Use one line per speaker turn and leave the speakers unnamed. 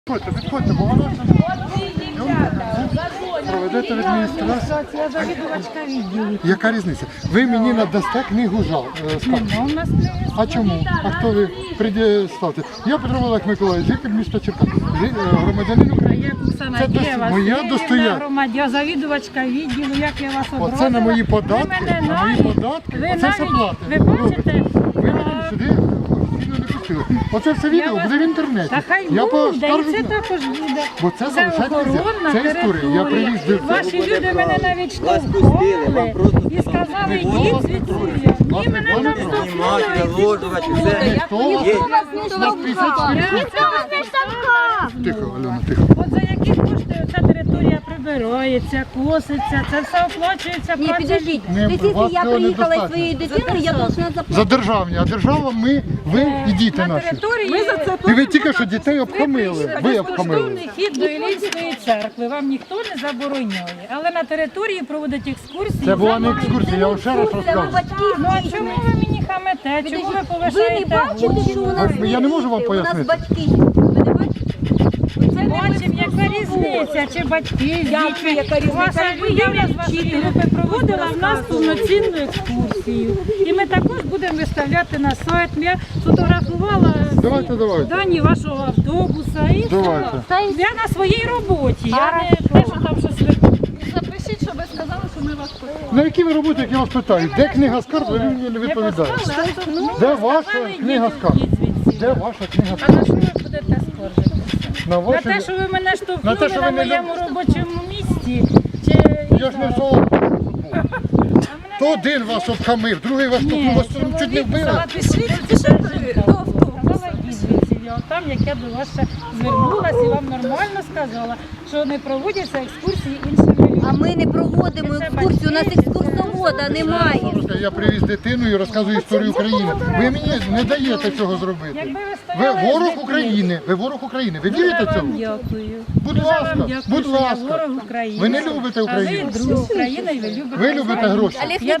Підходьте, бо вона проведете в адміністрацію.
Я завідувачка відділу.
Яка різниця? Ви мені надасте книгу скарг.
Нема у нас книги.
А чому? А хто ви предоставте? Я Петро Олег Миколаївич, житель міста Черкас, громадянин України.
Оксана
Це
Дєва,
моя достояння.
громадян, завідувачка відділу, як я вас образила.
Оце на мої податки,
Ви мене
оце все
навіть,
платите.
ви бачите,
Ви мене сюди офіційно не пустили. Оце все відео буде в інтернеті.
та хай
Я
буде,
поскаржусь
і це
на-
також буде.
Бо це залишати нельзя.
охоронна
Це історія. Я привіз
територія. Ваші люди мене навіть штовхали і сказали, йдіть звідси. Ні, мене там штовхнули.
Тихо, Альона, тихо.
От за які кошти ця територія прибирається, коситься, це все оплачується.
Ні, підождіть.
Ні,
Дивіться,
вас
я
цього
приїхала із
недостатньо.
своєю дитиною, я должна
За
заплатити.
державні, а держава ми, ви і діти
На
наші.
території
І ви тільки що дітей обхамили. Ви обхамили.
безкоштовний хід до Іллінської церкви. Вам ніхто не забороняє. Але на території проводять екскурсії.
Це була не
за
екскурсія, я вам ще раз
Це
розказую.
батьки
Ну а
здійснюють.
чому ви мені хамете? Чому ви
Ви не
повишаєте
бачите,
голос?
що у нас
Я не можу вам
діти? У нас
пояснити.
батьки. Ви не бачите? Це не
Бачимо, яка різниця, чи батьки,
Як
діти.
яка різниця?
Ваша
Ви
Юля з вашої групи проводила в нас повноцінну екскурсію. І ми також будемо виставляти на сайт. Я сфотографувала
Давайте.
дані вашого автобуса і
Давайте.
все. Я на своїй роботі. Я не те, що там щось
Запишіть, щоб ви сказали, що ми вас почули.
На які ви роботи, як я вас питаю? Де книга скарг, ви мені не відповідаєте. Де ваша книга скарг? Де ваша книга
А
скарг?
на що ви будете скаржитися?
На
На
ваші...
те, що ви мене
На
штовхнули
те, що
на
ви не
моєму робочому місці? Чи
Я ж не в золото. То один вас обхамив, другий вас тут вас чуть не вбили.
Там, як я до вас ще звернулася і вам нормально сказала, що не проводяться екскурсії іншими людьми.
А ми не проводимо екскурсію, у нас екскурсовода немає.
Я привіз дитину і розказую історію України. Ви мені не даєте цього зробити.
Якби ви
Ви
стояли з
ворог
дитиною.
України. Ви ворог України. Ви
Дуже
вірите
вам
цьому?
дякую.
Будь
Дуже
ласка,
вам дякую,
будь
що я
ласка.
ворог України.
Ви не любите Україну.
А ви друг України і ви любите
Ви любите гроші.
Я